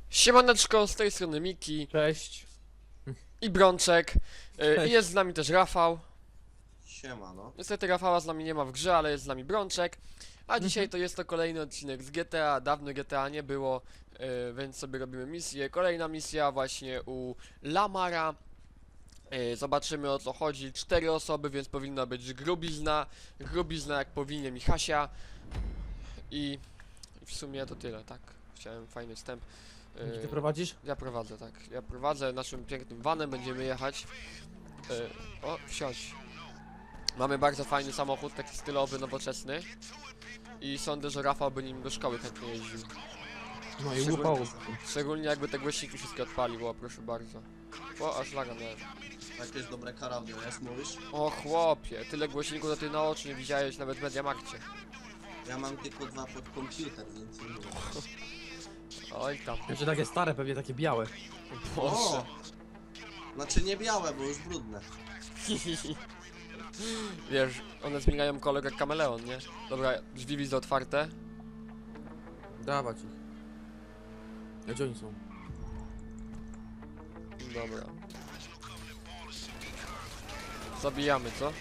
Siemaneczko, z tej strony Miki Cześć. i Brączek. I Cześć. jest z nami też Rafał. Siema, no. Niestety Rafała z nami nie ma w grze, ale jest z nami Brączek. A dzisiaj to jest to kolejny odcinek z GTA. Dawno GTA nie było, więc sobie robimy misję. Kolejna misja właśnie u Lamara. Zobaczymy, o co chodzi. 4 osoby, więc powinna być grubizna. Grubizna jak powinien Michasia. I w sumie to tyle, tak. Chciałem fajny wstęp. Gdzie ty prowadzisz? Ja prowadzę, tak. Ja prowadzę naszym pięknym vanem, będziemy jechać. O, wsiądź. Mamy bardzo fajny samochód, taki stylowy, nowoczesny. I sądzę, że Rafał by nim do szkoły chętnie jeździł. No i Szczególnie- łupało. Szczególnie jakby te głośniki wszystkie odpalił, o proszę bardzo. O, aż laga miałem. Jakieś dobre karabiny jest, mówisz? O chłopie, tyle głośników to ty na oczy nie widziałeś nawet w Mediamarkcie. Ja mam tylko 2 pod komputer, więc nie mówię. Oj tam. Jeszcze takie stare, pewnie takie białe. Boże. Znaczy nie białe, bo już brudne. Wiesz, one zmieniają kolor jak kameleon, nie? Dobra, drzwi widzę otwarte. Dawać ich. A gdzie oni są? Dobra. Zabijamy, co?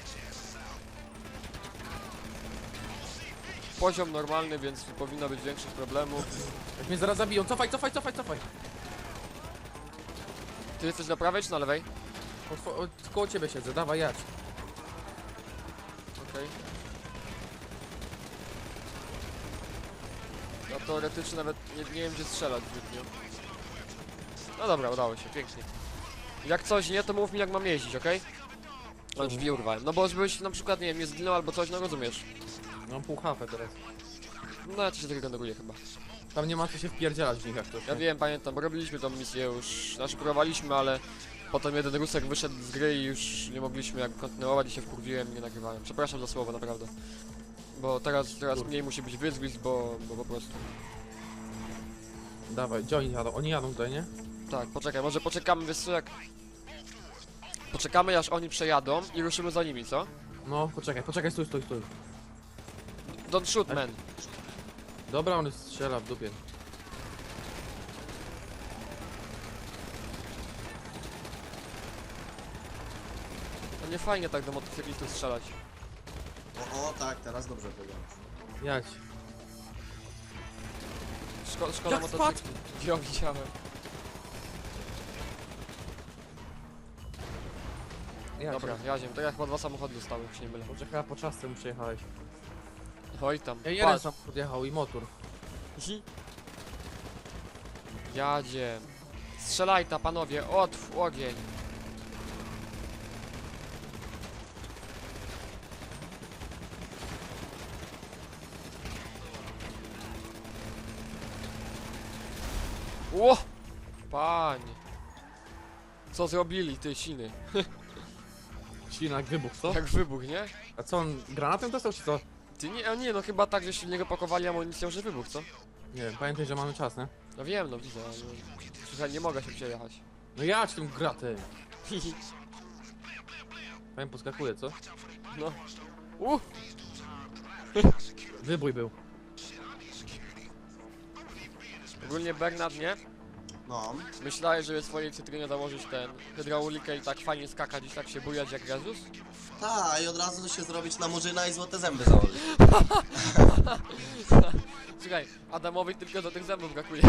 Poziom normalny, więc nie powinno być większych problemów. Jak mnie zaraz zabiją, cofaj! Ty jesteś na prawej czy na lewej? Koło ciebie siedzę, dawaj jadź. Okej. Ja teoretycznie nawet nie wiem gdzie strzelać zbytnio. No dobra, udało się, pięknie. Jak coś nie, to mów mi jak mam jeździć, okej? No drzwi urwałem. No bo żebyś na przykład, nie wiem, nie zginął albo coś, no rozumiesz. Mam pół HP teraz. No ja to się tak generuje chyba. Tam nie ma co się wpierdzielać w nich jak to. Ja wiem, pamiętam, bo robiliśmy tą misję już, znaczy próbowaliśmy, ale potem jeden Rusek wyszedł z gry i już nie mogliśmy jak kontynuować i się wkurwiłem i nie nagrywałem. Przepraszam za słowo, naprawdę. Bo teraz mniej musi być wyzwisk, bo po prostu. Dawaj, gdzie oni jadą? Oni jadą tutaj, nie? Tak, poczekaj, może poczekamy, wiesz co, jak... Poczekamy aż oni przejadą i ruszymy za nimi, co? No, poczekaj, stój. Don't shoot, man. Dobra, on strzela w dupie. To nie fajnie tak do motocyklistów strzelać. O, tak, teraz dobrze powiedziałeś. Jadź. Szkoda Jak motocykli. Ja widziałem. Jadź. Dobra, jaziem, tak jak chyba 2 samochody dostały, jak się nie mylę. Poczekaj, po czasce mu przejechałeś. Oj tam. Ja jeden Patrz. samochód jechał i motor. Jadzie. Strzelaj ta panowie, otw ogień. Ło! Panie. Co zrobili ty siny? Silnak wybuch, co? Jak wybuch, nie? A co on granatem dostał czy co? Ty nie, nie no chyba tak, że silniego pakowali amunicją, że wybuch, co? Nie wiem, pamiętaj, że mamy czas, nie? No wiem, no widzę, ale... Słuchaj, nie mogę się przejechać. No jadź tym gratem. Powiem, poskakuje, co? No. Wybój był. Ogólnie Bernard, nie? No. Myślałeś, żeby swojej cytrynie założyć ten hydraulikę i tak fajnie skakać i tak się bujać jak Jezus? Ta, i od razu się zrobić na murzyna i złote zęby założyć. Słuchaj, Adamowi tylko do tych zębów brakuje.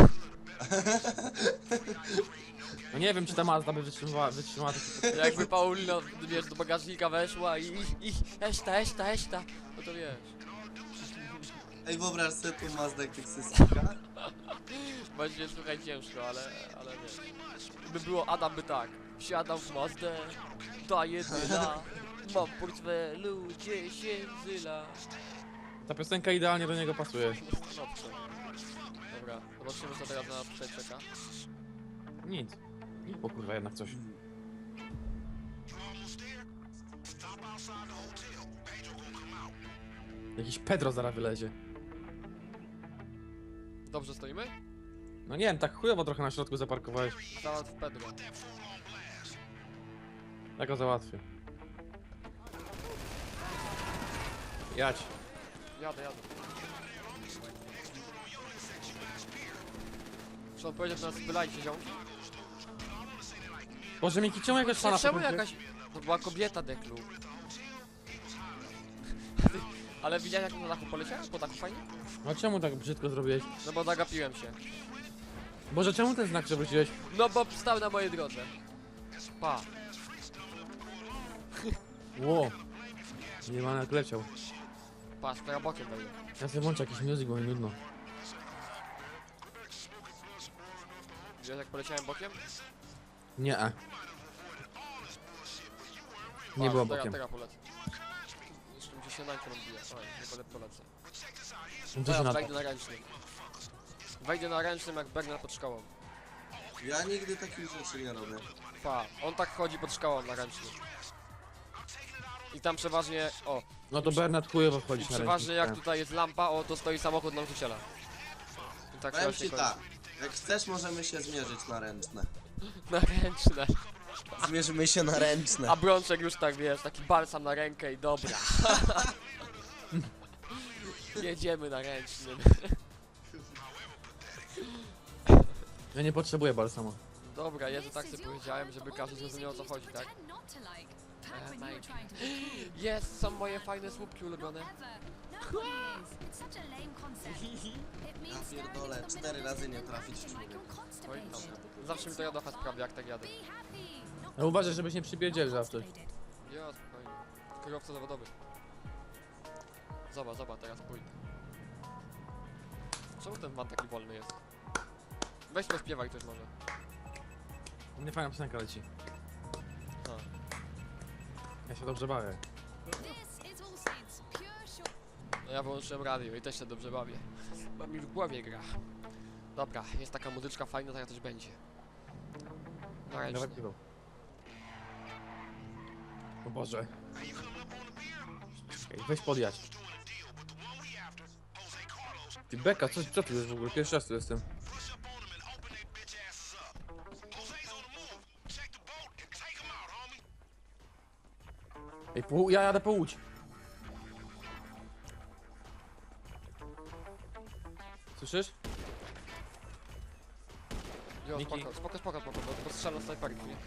No nie wiem, czy ta Mazda by wytrzymała taki... Jakby Paulina, wiesz, do bagażnika weszła i eszta, no to wiesz. Ej, wyobraź sobie tu Mazda jak tych systemka. Będzie słuchaj ciężko, ale wiesz. By było, Adam by tak. Wsiadam w Mazdę, daję tyla, mam w portfelu 10 zyla. Ta piosenka idealnie do niego pasuje. Dobrze. Dobra, zobaczymy co teraz na nas tutaj czeka. Nic. O kurwa, jednak coś. Jakiś Pedro zaraz wylezie. Dobrze stoimy? No nie wiem, tak chujowo trochę na środku zaparkowałeś. Zaraz w Pedro. Ja go załatwię. Jadź. Jadę. Czy on powiedział, że nas wylajcie ziom? Boże, Miki, czemu jakaś fana Czemu pokręciłeś? jakaś... To była kobieta, Deklu. Ale widziałeś jak na dachu poleciałem? Po dachu fajnie? No czemu tak brzydko zrobiłeś? No bo zagapiłem się. Boże, czemu ten znak przewróciłeś? No bo stał na mojej drodze. Pa. Ło. Nie ma jak leciał. Patrz, teraz bokiem wejdę. Ja sobie włączę jakiś music, bo mi nudno. Wiesz jak poleciałem bokiem? Nie. Nie Patrz, było bokiem. Teraz polecę. Jeszcze mi się śniadankę rozbija. Oj, nie polecę. To się Teraz nada. wejdę na ręcznym. Wejdę na ręcznym jak Bernard pod szkołą. Ja nigdy takich rzeczy nie robię. Pa, on tak chodzi pod szkołą na ręcznym. I tam przeważnie, o, No to Bernard chujowo i wchodzić na przeważnie jak ręcznik. tutaj jest lampa, o, to stoi samochód nauczyciela. I tak Powiem właśnie ci kończy. tak. Jak chcesz, możemy się zmierzyć na ręczne. Na ręczne. Zmierzymy się na ręczne. A Brączek już tak, wiesz, taki balsam na rękę i dobra. Jedziemy na ręcznym. Ja nie potrzebuję balsamu. Dobra, Jezu, tak sobie powiedziałem, żeby każdy zrozumiał o co chodzi, tak? Jest, są moje fajne słupki ulubione. Ja pierdolę, 4 razy nie trafić w człowieka. Oj, tam. Zawsze mi to jadocha sprawia, jak tak jadę. No uważaj, żebyś nie przybierdzieli zawsze. Ja, spokojnie. Kierowca zawodowy. Zobacz, teraz pójdę. Czemu ten van taki wolny jest? Weź pośpiewaj ktoś może. Nie fajna piosenka leci. A. Ja się dobrze bawię. No ja wyłączyłem radio i też się dobrze bawię. Bo mi w głowie gra. Dobra, jest taka muzyczka fajna, taka też będzie. Na Dawaj ręcznie. piwo. O Boże. Czekaj, weź podjać. Ty Beka, co tu jest w ogóle? Pierwszy raz tu jestem. Ej, ja jadę po łódź. Słyszysz? Jo, Miki. spoko, bo strzelam snajperki, nie?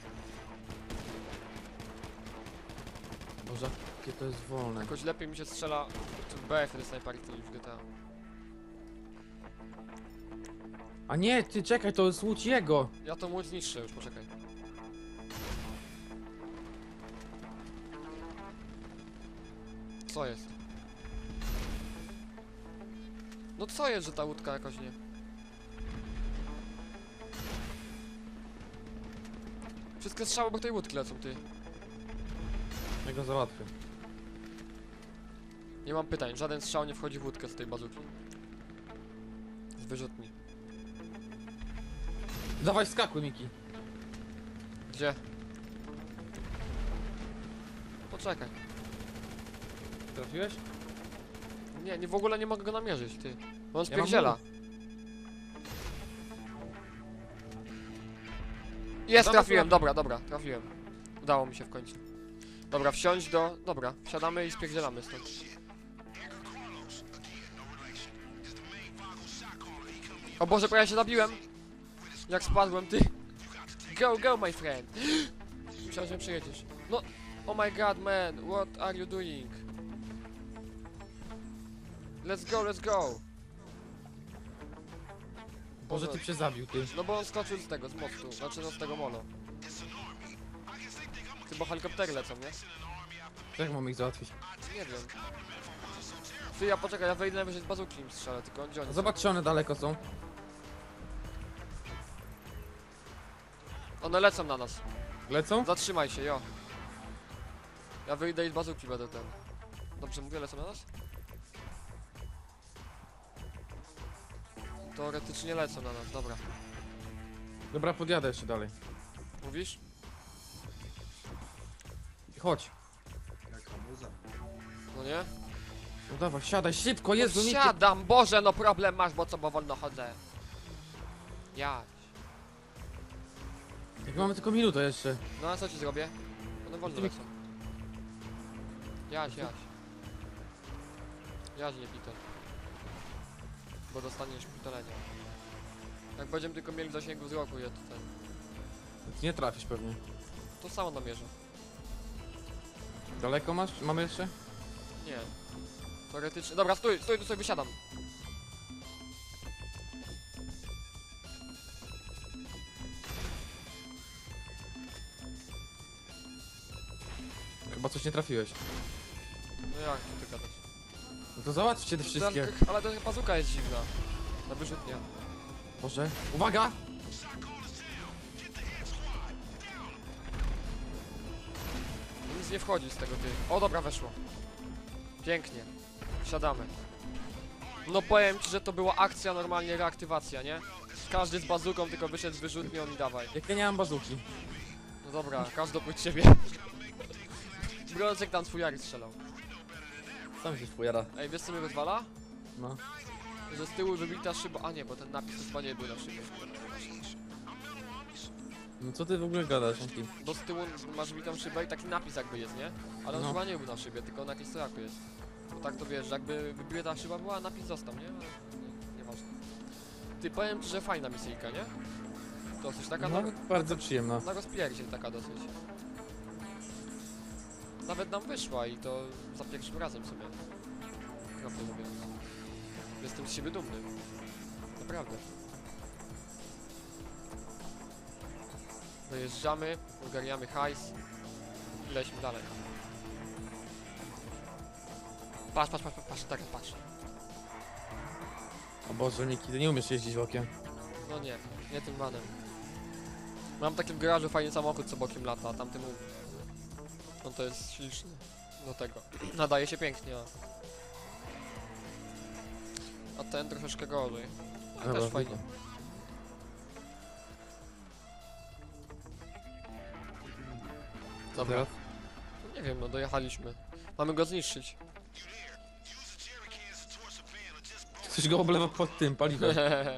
Boże, jakie to jest wolne. Jakoś lepiej mi się strzela w BF te snajperki niż w GTA. A nie, ty czekaj, to jest łódź jego. Ja to łódź niższe już, poczekaj. Co jest? No co jest, że ta łódka jakoś nie... Wszystkie strzały obok tej łódki lecą, ty. Ja go załatwię. Nie mam pytań, żaden strzał nie wchodzi w łódkę z tej bazuki. Z wyrzutni. Dawaj, skakuj, Miki. Gdzie? Poczekaj. Trafiłeś? Nie, w ogóle nie mogę go namierzyć, ty. Bo on Ja mam spierdziela. Jest, Dobra, trafiłem, dobra. dobra, trafiłem. Udało mi się w końcu. Dobra, wsiąść do... Dobra, wsiadamy i spierdzielamy stąd. O Boże, prawie się zabiłem! Jak spadłem, ty! Go, my friend! Myślałem, że mnie przejedziesz. No, oh my god, man, what are you doing? Let's go! Boże, ty się zabił, ty. No bo on skoczył z tego, z mostu, znaczy no z tego molo. Ty, bo helikoptery lecą, nie? Jak mam ich załatwić? Nie wiem. Ty, ja poczekaj, ja wejdę najwyżej z bazuki im strzelę, tylko gdzie oni są? Zobacz, czy one daleko są. One lecą na nas. Lecą? Zatrzymaj się, jo. Ja wyjdę i z bazuki będę ten. Dobrze mówię, lecą na nas? Teoretycznie lecą na nas, dobra. Dobra, podjadę jeszcze dalej. Mówisz? Chodź. Jaka muza. No nie? No dawaj, siadaj szybko, Jezu, No Miki. siadam, Boże, no problem masz, bo co, bo wolno chodzę. Ja. Jak mamy tylko minutę jeszcze. No a co ci zrobię? One wolno Ty- lecą. Jaś. Jaś nie Peter. Bo dostaniesz pitolenia. Jak będziemy tylko mieli w zasięgu wzroku je tutaj. Nie trafisz pewnie. To samo namierzę. Daleko masz? Mamy jeszcze? Nie. Teoretycznie. Dobra, stój, tu sobie wysiadam. Chyba coś nie trafiłeś. No jak tu ty gadasz? No to załatwcie te wszystkie. Ale ta bazuka jest dziwna. Na wyrzutnia. Boże. Uwaga! Nic nie wchodzi z tego ty. O dobra, weszło. Pięknie. Wsiadamy. No powiem ci, że to była akcja, normalnie reaktywacja, nie? Każdy z bazuką tylko wyszedł z wyrzutnią i dawaj. Jak ja nie mam bazuki. No dobra, każdy oprócz ciebie. Brączek tam twój Jari strzelał. Sam się wpojara. Ej, wiesz co mnie rozwala? No. Że z tyłu wybita szyba. A nie, bo ten napis chyba nie był na szybie. No co ty w ogóle gadasz, Anki? Bo z tyłu masz wybitą szybę i taki napis jakby jest, nie? Ale on No. chyba nie był na szybie, tylko na jakimś stojaku jest. Bo tak to wiesz, że jakby wybita szyba była, a napis został, nie? Ale nieważne. Ty, powiem ci, że fajna misyjka, nie? Dosyć taka No, bardzo przyjemna. na rozpierdziel taka dosyć. Nawet nam wyszła i to za pierwszym razem sobie. Prawdę mówiąc. Jestem z siebie dumny. Naprawdę. Dojeżdżamy, ogarniamy hajs i lećmy dalej. Patrz, tak, patrz. O Boże, Niki, ty nie umiesz jeździć bokiem. No nie tym vanem. Mam taki w garażu fajny samochód, co bokiem lata, a tamtym no to jest śliczny. Do tego. Nadaje się pięknie, a ten troszeczkę gorzej. Ale też fajnie. Dobra, Teraz? nie wiem, no dojechaliśmy. Mamy go zniszczyć. Ktoś go oblewa pod tym paliwem.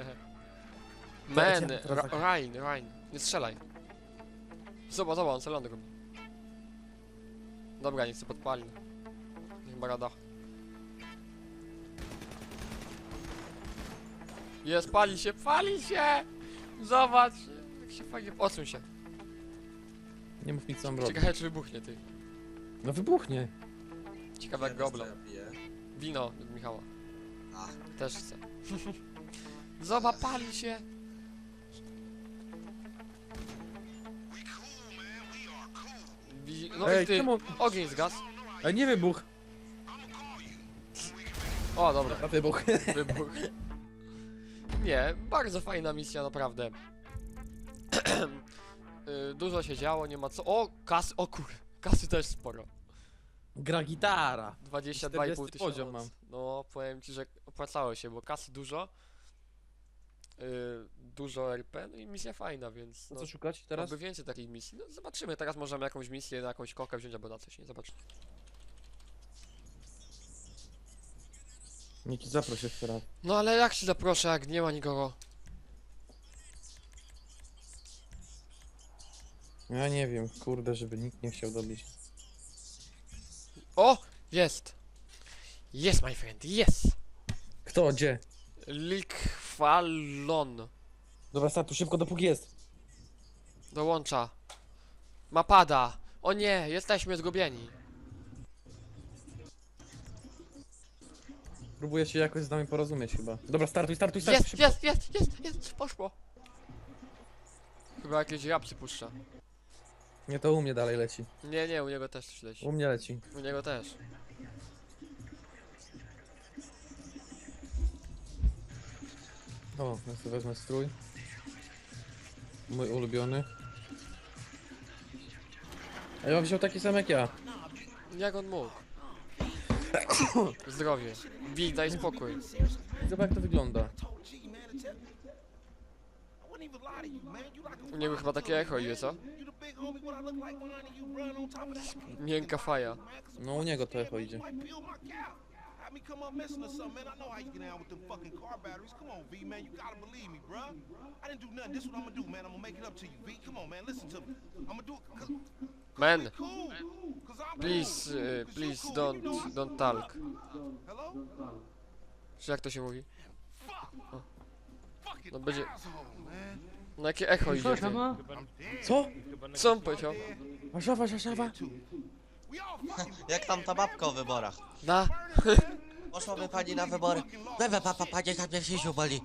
Man, teraz tak- Ryan, nie strzelaj. Zobacz, on celowy robi. Dobra, niech się podpali. Niech ma rada. Jest, pali się! Zobacz, jak się fajnie... Odsuń się. Nie mów mi co mam robić. Ciekawe, czy wybuchnie, ty. No wybuchnie. Ciekawe, jak go oblał. Ja piję. Wino od Michała. A, Też chcę. Zobacz, pali się! No Ej, i ty, czemu? ogień zgasł. Ej, nie wybuch. O, dobra, A wybuch. wybuch. Nie, bardzo fajna misja, naprawdę. Dużo się działo, nie ma co... O, kasy, o kur... Kasy też sporo. Gra gitara. 22,5 40 tysiąca. poziom mam. No, powiem ci, że opłacało się, bo kasy dużo. Dużo RP, no i misja fajna, więc... No No, co szukać teraz? oby więcej takich misji. No zobaczymy, teraz możemy jakąś misję na jakąś kokę wziąć albo na coś, nie? Zobaczymy. Niki, zaproś jeszcze raz. No ale jak ci zaproszę, jak nie ma nikogo? Ja nie wiem, kurde, żeby nikt nie chciał dobić. O! Jest! Jest, my friend, jest! Kto, gdzie? Likwalon. Dobra, startu szybko, dopóki jest. Dołącza. Mapada. O nie, jesteśmy zgubieni. Próbuję się jakoś z nami porozumieć chyba. Dobra, startuj, szybko. Jest, poszło. Chyba jakieś rapsy puszcza. Nie, to u mnie dalej leci. Nie, u niego też coś leci. U mnie leci. U niego też. O, ja sobie wezmę strój. Mój ulubiony. A ja bym wziął taki sam jak ja. Jak on mógł? Zdrowie. Bij, daj spokój. Zobacz jak to wygląda. U niego chyba takie echo idzie, co? Miękka faja. No u niego to echo idzie. Have me come up missing or something, man. I know how you get down with them fucking car batteries. Come on, V, man. You gotta believe me, bruh. I didn't do nothing. This is what I'm gonna do, man. I'm gonna make it up to you, V. Come on, man. Listen to me. I'm gonna do it cause Man, we cool. Cause I'm please, cool. 'Cause you please cool. don't, You know I- don't talk. Hello? Czy jak to się mówi? Fuck fucking No będzie... asshole, man. No jakie echo idzie, ty. Co? Co on powiedział? Warszawa, Warszawa. We all fucking Jak tam ta babka o wyborach? Na... Poszłaby pani na wybory. Panie, tam mnie się boli.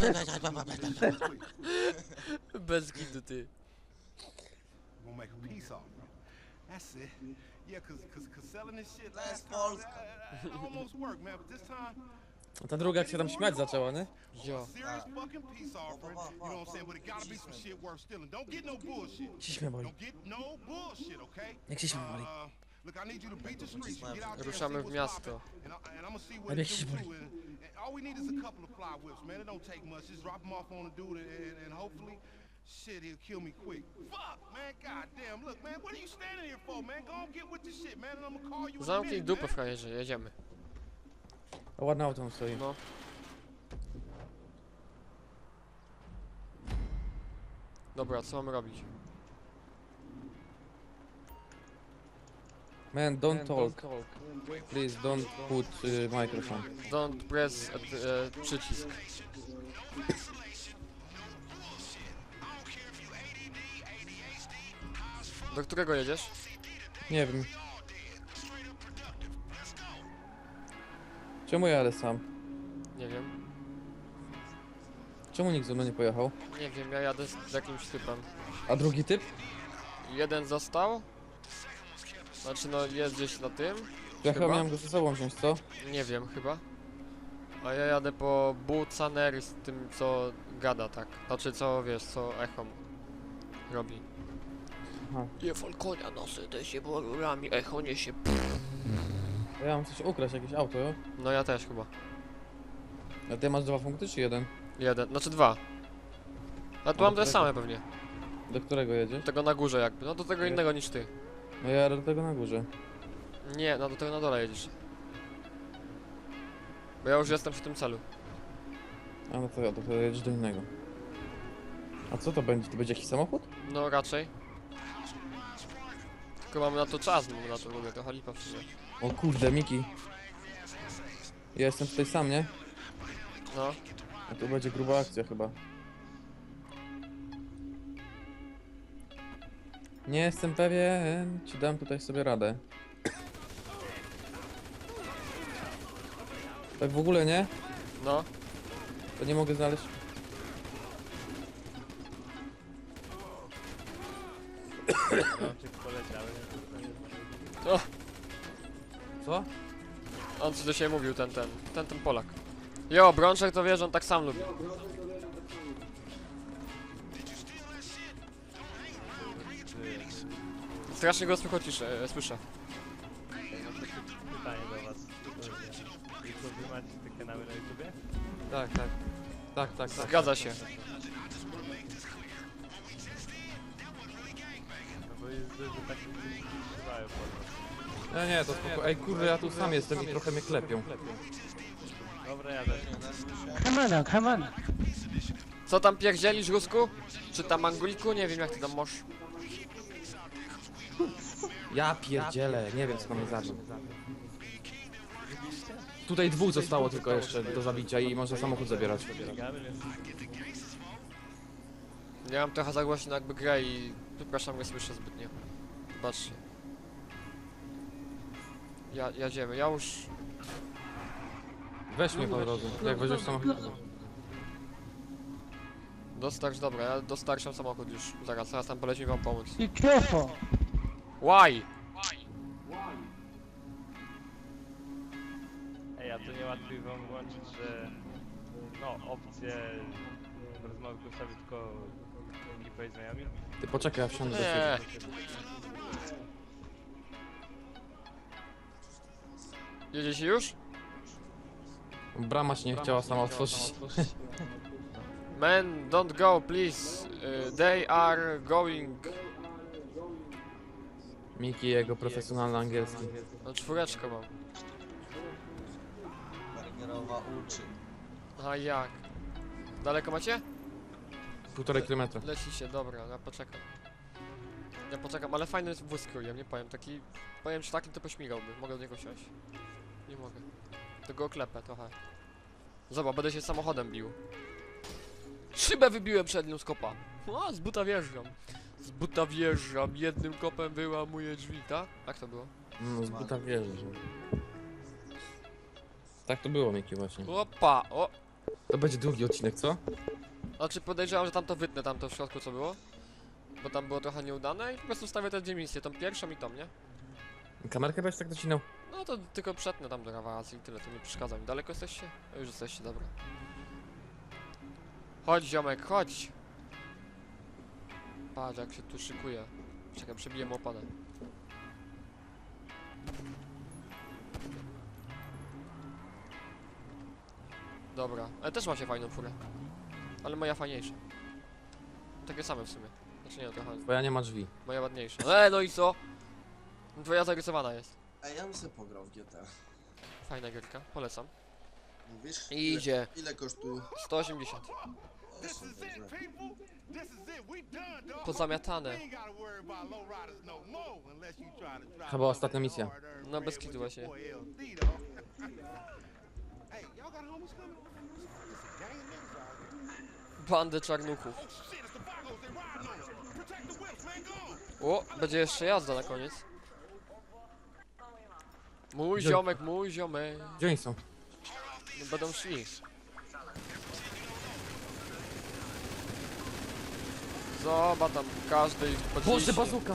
Bez gidu, ty. We'll make a peace offering. That's it. Yeah, cause selling this shit That's last time, Polska. that almost worked, man. But this time, A ta druga jak się tam śmiać zaczęła, nie? Jo. serious fucking peace offering. You know what I'm saying? But it gotta be some shit worth stealing. Don't get no bullshit. Ciś mnie boli. Don't get no bullshit, okay? Jak się śmie boli. Look, I need you to beat the streets. Get out there and Ruszamy see w what's miasto. poppin', and I'm gonna see what Ale it jak się do boli. too. And all we need is a couple of fly whips, man. It don't take much. Just drop them off on the dude, and hopefully, shit, he'll kill me quick. Fuck, man. Goddamn. Look, man. What are you standing here for, man? Go on, get with the shit, man. And I'm gonna call you in a Zamknij minute, dupę, man. frajerze, jedziemy. A ładne auto tam stoi. No. Dobra, co mamy robić? Man, don't talk. Please don't put microphone. Don't press przycisk. Do którego jedziesz? Nie wiem. Czemu jadę sam? Nie wiem. Czemu nikt ze mną nie pojechał? Nie wiem, ja jadę z jakimś typem. A drugi typ? Jeden został. Znaczy no jest gdzieś na tym. Ja chyba Chyba? miałem go ze sobą wziąć, co? Nie wiem chyba. A ja jadę po Bucanery z tym co gada tak. Znaczy co wiesz, co Echom robi. Aha. Je Falconia nosy, te się rurami, Echo niesie. A ja mam coś ukraść, jakieś auto, jo? No ja też chyba. A ty masz 2 punkty czy jeden? Jeden, znaczy dwa. A tu mam te same pewnie. Do którego jedzie? Tego na górze jakby, no do tego innego niż ty. No ja jadę do tego na górze. Nie, no do tego na dole jedziesz. Bo ja już jestem przy tym celu. A no to ja, to jedziesz do innego. A co to będzie? To będzie jakiś samochód? No raczej. Tylko mamy na to czas, mamy na to w ogóle trochę lipa w sumie. O kurde, Miki. Ja jestem tutaj sam, nie? No. A tu będzie gruba akcja chyba. Nie jestem pewien, czy dam tutaj sobie radę. Tak w ogóle nie? No. To nie mogę znaleźć. O, Co? on coś do siebie mówił, ten Polak. Jo, Brączek to wie, że on tak sam lubi. Strasznie go słyszę. Pytanie do was. YouTube, wy macie te kanały na YouTubie? Tak, tak. Tak, tak, tak. Zgadza się. No bo jest dużo takich, którzy strzelają po nas. Nie, to spoko. Ej, kurde, ja tu sam jestem i trochę mnie klepią. Dobra, jadę. Come on. Co tam pierdzielisz, Rusku? Czy tam Angliku? Nie wiem jak ty tam możesz. Ja pierdzielę, nie wiem co mnie zabił. Tutaj dwóch zostało tylko jeszcze do zabicia i może samochód zabierać. Biegamy, więc Ja mam trochę za głośno jakby grę i przepraszam, nie słyszę zbytnio. Zobaczcie. Jedziemy, ja już... Weź mnie po drodze, jak weźmiesz samochód. Dobra, ja dostarczam samochód już. Zaraz tam polecimy wam pomóc. Be careful. Why? ej, a to niełatwiej wam włączyć, że no, opcje rozmowy głosowej tylko ekipa i znajomi? Ty poczekaj, ja wsiądę do Nie. ciebie. Jedziecie już? Brama się nie chciała sama otworzyć. Man, don't go, please. They are going. Miki i jego profesjonalny angielski. No czwóreczkę mam. Bergerowa uczy. A jak? Daleko macie? 1,5 kilometra. Lecicie, dobra, ja poczekam. Ja poczekam, ale fajny jest wóz krójem, nie powiem, taki... Powiem, że takim to pośmigałby, mogę do niego wsiąść. Nie mogę. To go oklepę trochę. Zobacz, będę się samochodem bił. Szybę wybiłem przednią z kopa. O, z buta wjeżdżam. Z buta wjeżdżam, jednym kopem wyłamuję drzwi, tak? Jak to było? No z buta wierzę, że... Tak to było, Miki, właśnie. Opa, o! To będzie długi odcinek, co? Znaczy podejrzewam, że tam to wytnę, tam to w środku co było. Bo tam było trochę nieudane i po prostu wstawię te dwie misje, tą pierwszą i tą, nie? Kamerkę będziesz tak docinał? No to tylko przetnę tam do razy i tyle, to nie przeszkadza mi. Daleko jesteście? No już jesteście, dobra. Chodź ziomek, chodź! Patrz jak się tu szykuje. Czekaj, przebiję mu oponę. Dobra, ale też ma się fajną furę. Ale moja fajniejsza. Takie same w sumie. Znaczy nie, trochę. Twoja nie ma drzwi. Moja ładniejsza. No i co? Twoja zarysowana jest. Ej, ja bym sobie pograł w GTA. Fajna gierka, polecam. Mówisz? Idzie. Ile kosztuje? 180. O, This są is it, dobrze. people. This is it. We done, dog. Pozamiatane. We ain't gotta worry about low riders no more unless you try to drive Chyba all ostatnia that misja. hard-earned No, bread bez with kitu your właśnie. boy LD, dog. Hey, y'all got homies coming? It's a gang of niggas out here. Bandę czarnuchów. Oh shit, it's the Vagos. They riding on us. Protect the whips, man. Go on. O, będzie jeszcze jazda na koniec. Mój Gdzie? ziomek, mój ziomek. Gdzie oni są? No, będą szli. Zobacz tam, każdy ich Boże, podniesie. bazuka!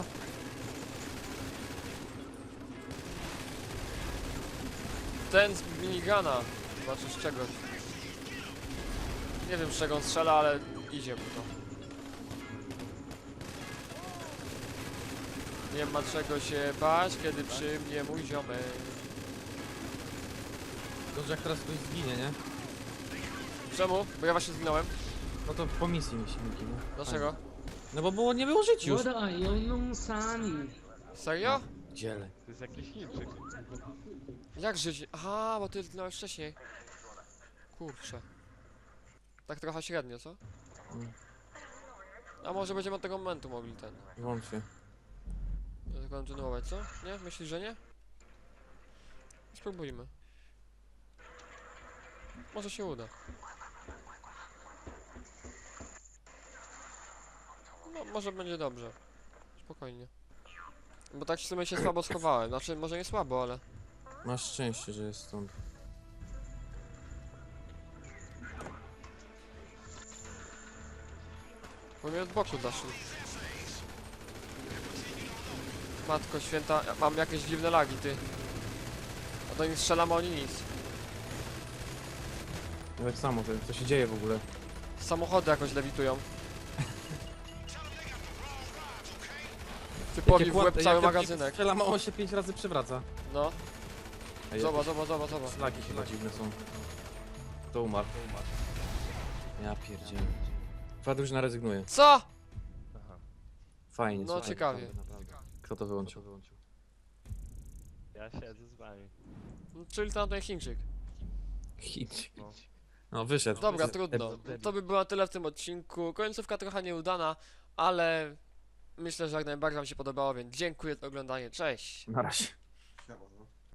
Ten z minigana. Znaczy z czegoś. Nie wiem z czego on strzela, ale idzie mu to. Nie ma czego się bać, kiedy przy mnie mój ziomek. Dobrze, jak teraz ktoś zginie, nie? Czemu? Bo ja właśnie zginąłem. No to po misji mi się, Miki, no. Dlaczego? No bo nie było żyć już. 我的俺要弄死你！ Serio? Dziele. To jest jakiś Chińczyk. Jak żyć? Aha, bo ty zginąłeś wcześniej. Kurczę. Tak trochę średnio, co? Mm. A może będziemy od tego momentu mogli ten... Włącznie. kontynuować, co? Nie? Myślisz, że nie? Spróbujmy. Może się uda. No, może będzie dobrze. Spokojnie. Bo tak w sumie się słabo schowałem. Znaczy, może nie słabo, ale... Masz szczęście, że jest stąd. Bo mnie od boku zaszli. Matko święta, ja mam jakieś dziwne lagi, ty. A do nich strzelam, a oni nic. No tak samo, co się dzieje w ogóle? Samochody jakoś lewitują. Typowi w łeb cały magazynek. Strzela, mało się 5 razy przewraca. No, Ej, zobacz, zobacz, zobacz, zobacz. Flagi chyba dziwne są. To umarł. Ja pierdzielę. Fadruż rezygnuje. Co? Aha. Fajnie, No, słuchaj, ciekawie. naprawdę. Kto to wyłączył? Ja siedzę z wami. No, czyli tamten Chińczyk. Hit. No. No wyszedł. Dobra, Wyszedł. trudno. To by było na tyle w tym odcinku. Końcówka trochę nieudana, ale myślę, że jak najbardziej wam się podobało, więc dziękuję za oglądanie. Cześć! Na razie.